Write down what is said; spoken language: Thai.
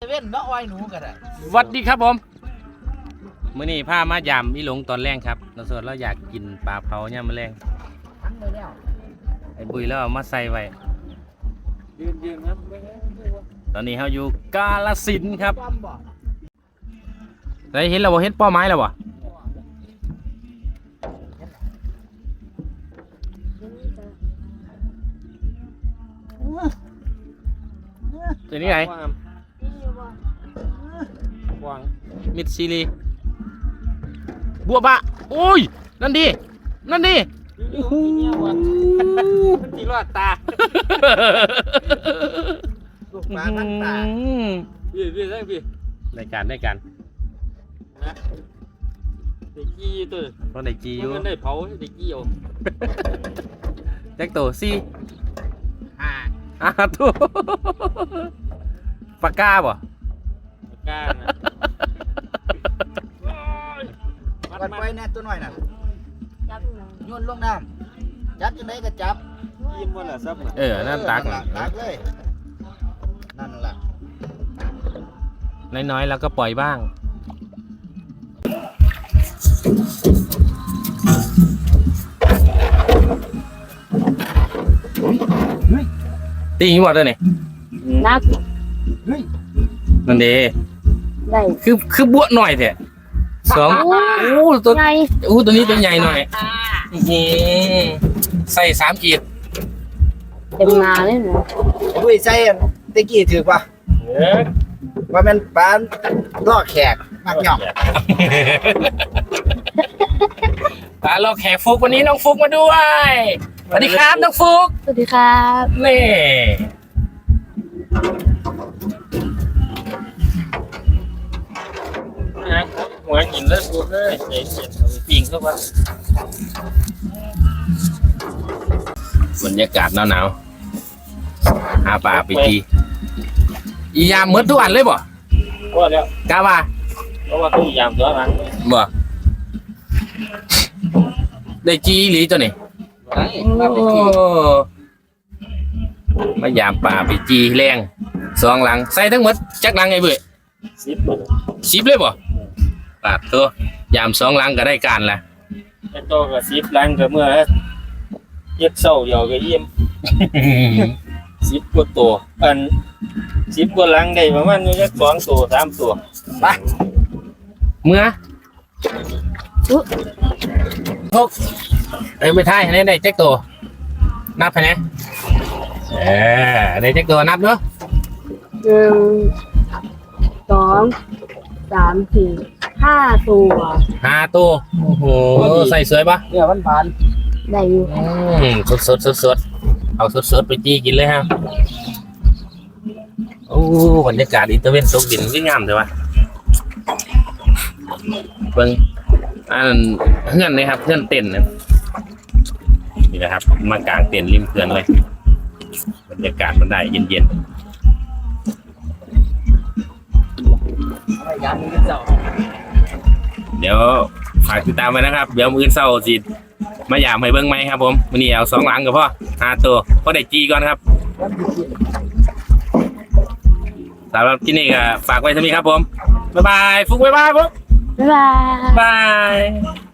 เว้นก็อ้อยหนูก็ได้สวัสดีครับผมมื้อนี้พามายามอีหลงตอนแรงครับเราสดเราอยากกินปลาเผาเนี่ยามมื้อแรงทั้งไปแล้วไอ้บุยแล้วเอามาใส่ไว้ยืนครับตอนนี้เราอยู่กาฬสินธุ์ครับความบ่ได้เห็นแล้วบ่เห็นเป้าไม้แล้วบ่ตัวนี้ไหนวางมิดซีรีบัวบะโอ้ยนั่นดินั่นดิโอ้โหตีรอดตาลูกปลาพันตาพี่ได้พี่รายการนะเด็กกี้ตัวเพราะในจีอยู่มันได้เผาเด็กกี้เอาแจ็คโตซี่อ่าตัวปากกาบ่ก้านะวัดไว้แน่ตัวน้อยน่ะจับหน่อยโยนลงน้ำจับจังไดก็จับยิ้มว่าละซับนะนั่นตักตักเลยนั่นล่ะน้อยๆแล้วก็ปล่อยบ้างตีหิวตัวนี่นักนั่นเด้ได้คือบวหน่อยเถอะสองโอ้ตัวไงตัวนี้ตัวใหญ่หน่อยใส่3 ขีดเต็มนาเลยนะดุยใส่ตะกี้ถือป่ะว่ามันปลาล่อแขกมากหย่องเราแขกฟุกวันนี้น้องฟุกมาด้วยสวัสดีครับน้องฟุกสวัสดีครับนี่หัวหินแล้วฟุกเลยเห็นปิงเข้ามาบรรยากาศหนาวๆหาปลาไปทีอียามเหมือนทุกอันเลยบ่ก็แล้วกาว่าเพราะว่าเขายามตัวนั้นบ่ได้จีอีหลีตัวนี้ได้มาไปทีมายามป่าไปจีแรง2 หลังใส่ทั้งหมดจักหลังไอ้เบื่อ 10 เลยบ่ปาดตัวยาม2 หลังก็ได้การละไอ้โตก็10ลังก็เมื่อเย็ดเศร้าเดียวก็ยิ้ม10กว่าตัวอัน10กว่าลังได้ประมาณอยู่จัก2 ตัว3 ตัวไปเมื่อทกไม่ท้ายให้ได้แจ็คตัวนับให้แน่ได้แจ็คตัวนับเนาะ 1 2 3 4 5 ตัว 5 ตัวโอ้โหใส่สวยปะเนี่ยมันผ่านได้อยู่สดเอาสดไปจีกินเลยฮะโอ้บรรยากาศอินเตอร์เวนตกดินวิ่งงามเลยวะเบิ่งอันเพื่อนเลยครับเพื่อนเต้นนะนี่นะครับมากางเต้นริมเขื่อนเลยบรรยากาศมันได้เย็นเอาไว้ยามนี้เจ้าๆเดี๋ยวฝากติดตามไว้นะครับเดี๋ยวมื้อเช้าสิมายามให้เบิ่งไหมครับผมวันนี้เอา2 หลังก็พอ5 ตัวก็ได้จีก่อนครับสำหรับที่นี่ก็ฝากไว้เท่านี้ครับผมบ๊ายบายฟุกบ๊ายบายฟุกบ๊ายบายบาย